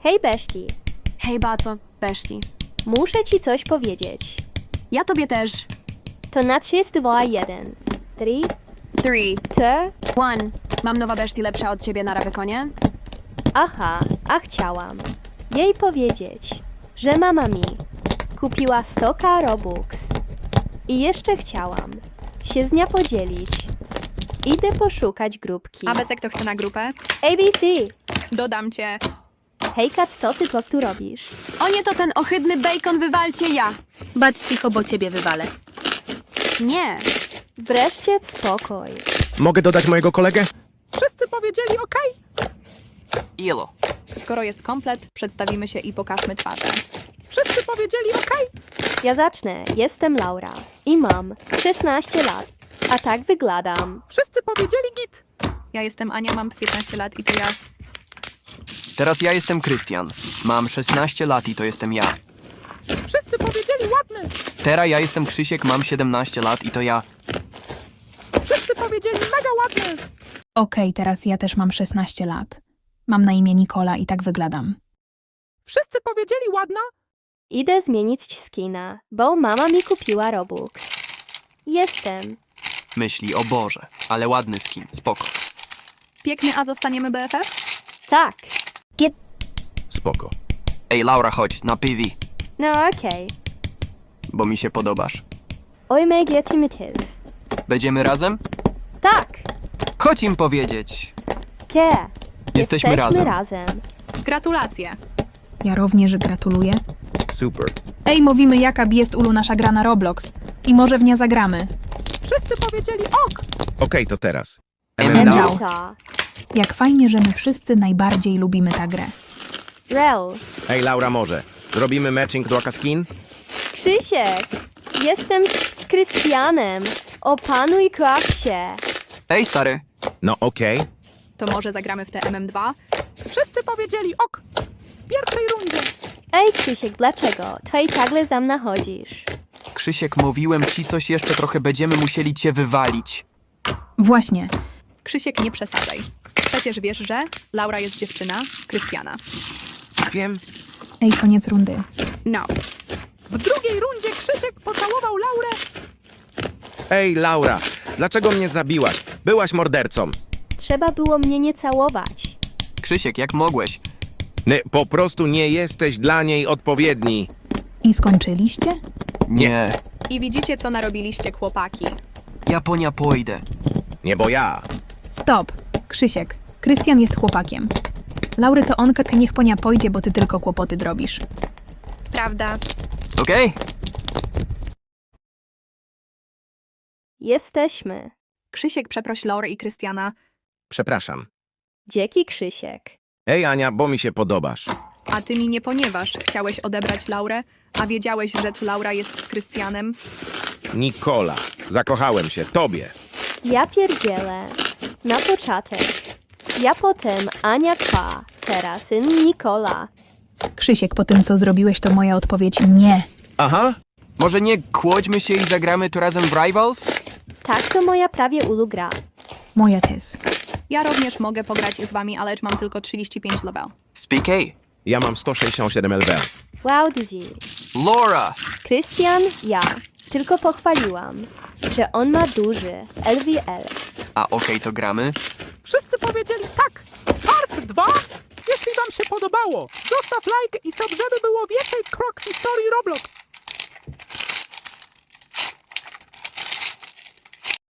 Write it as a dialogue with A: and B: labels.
A: Hej, Beszti.
B: Hej, Baco, Beszti.
A: Muszę ci coś powiedzieć.
B: Ja tobie też.
A: To na 3, 2, 1. 3,
B: 3,
A: 2,
B: 1. Mam nowa Beszti lepsza od ciebie na Ravykonie?
A: aha, a chciałam jej powiedzieć, że mama mi kupiła 100k Robux. I jeszcze chciałam się z nią podzielić. Idę poszukać grupki.
C: A Becek to chce na grupę?
A: ABC!
C: Dodam cię.
A: Hejka, co ty tu robisz?
B: O nie, to ten ohydny bacon, wywalcie ja.
D: Bać cicho, bo ciebie wywalę.
B: Nie.
A: Wreszcie spokój.
E: Mogę dodać mojego kolegę?
F: Wszyscy powiedzieli OK.
G: Ilo.
C: Skoro jest komplet, przedstawimy się i pokażmy twarze.
F: Wszyscy powiedzieli OK.
A: Ja zacznę. Jestem Laura i mam 16 lat. A tak wyglądam.
F: Wszyscy powiedzieli git.
C: Ja jestem Ania, mam 15 lat i to ja.
G: Teraz ja jestem Krystian. Mam 16 lat i to jestem ja.
F: Wszyscy powiedzieli ładny.
G: Teraz ja jestem Krzysiek, mam 17 lat i to ja.
F: Wszyscy powiedzieli mega ładny.
H: Okej, teraz ja też mam 16 lat. Mam na imię Nikola i tak wyglądam.
F: Wszyscy powiedzieli ładna.
A: Idę zmienić skina, bo mama mi kupiła Robux. Jestem.
G: Myśli, o Boże, ale ładny skin, spoko.
C: Piękny, a zostaniemy BFF?
A: Tak.
E: Spoko.
G: Ej, Laura, chodź, na PV,
A: No okej.
G: bo mi się podobasz.
A: Oj, mega timitis.
G: Będziemy razem?
A: Tak.
G: Chodź im powiedzieć.
A: Ke.
G: Jesteśmy razem.
C: Gratulacje.
H: Ja również gratuluję.
E: Super.
H: Ej, mówimy jaka jest ulu nasza gra na Roblox. I może w nie zagramy.
F: Wszyscy powiedzieli ok.
E: Okej, to teraz.
G: MMDAO.
A: Emilka.
H: Jak fajnie, że my wszyscy najbardziej lubimy tę grę.
A: Rel.
E: Ej, Laura, może. Zrobimy matching do skin?
A: Krzysiek. Jestem z Krystianem. Opanuj się.
G: Ej, stary.
E: No okej.
C: To może zagramy w te MM2?
F: Wszyscy powiedzieli ok. W pierwszej rundzie.
A: Ej, Krzysiek, dlaczego? Twojej ciągle za mną chodzisz.
G: Krzysiek, mówiłem ci coś jeszcze trochę, będziemy musieli cię wywalić.
H: Właśnie.
C: Krzysiek, nie przesadzaj. Przecież wiesz, że Laura jest dziewczyna Krystiana.
E: Wiem.
H: Ej, koniec rundy.
C: No.
F: W drugiej rundzie Krzysiek pocałował Laurę.
E: Ej, Laura, dlaczego mnie zabiłaś? Byłaś mordercą.
A: Trzeba było mnie nie całować.
G: Krzysiek, jak mogłeś?
E: Po prostu nie jesteś dla niej odpowiedni.
H: I skończyliście?
G: Nie.
C: I widzicie, co narobiliście, chłopaki.
G: Japonia pójdę.
E: Nie, bo ja.
H: Stop. Krzysiek. Krystian jest chłopakiem. Laury to onka, ty niech ponia pójdzie, bo ty tylko kłopoty drobisz.
C: Prawda.
G: Okej?
A: Jesteśmy.
C: Krzysiek, przeproś Laurę i Krystiana.
E: Przepraszam.
A: Dzięki, Krzysiek.
E: Ej, Ania, bo mi się podobasz.
C: A ty mi nie, ponieważ chciałeś odebrać Laurę, a wiedziałeś, że tu Laura jest z Krystianem.
E: Nikola, zakochałem się. Tobie.
A: Ja pierdzielę. Na początek. Ja potem Ania Kwa. Teraz syn Nikola.
H: Krzysiek, po tym co zrobiłeś, to moja odpowiedź nie.
E: Aha.
G: Może nie kłóćmy się i zagramy tu razem w Rivals?
A: Tak to moja prawie ulugra.
H: Moja też.
C: Ja również mogę pograć z wami, ale mam tylko 35 level.
G: Speak A.
E: Ja mam 167 LV.
A: Wow, Dizzy.
G: Laura!
A: Krystian, ja. Tylko pochwaliłam, że on ma duży LVL.
G: A okej, to gramy?
F: Wszyscy powiedzieli tak. Part 2. Jeśli wam się podobało, zostaw like i sub, żeby było więcej krok historii Roblox.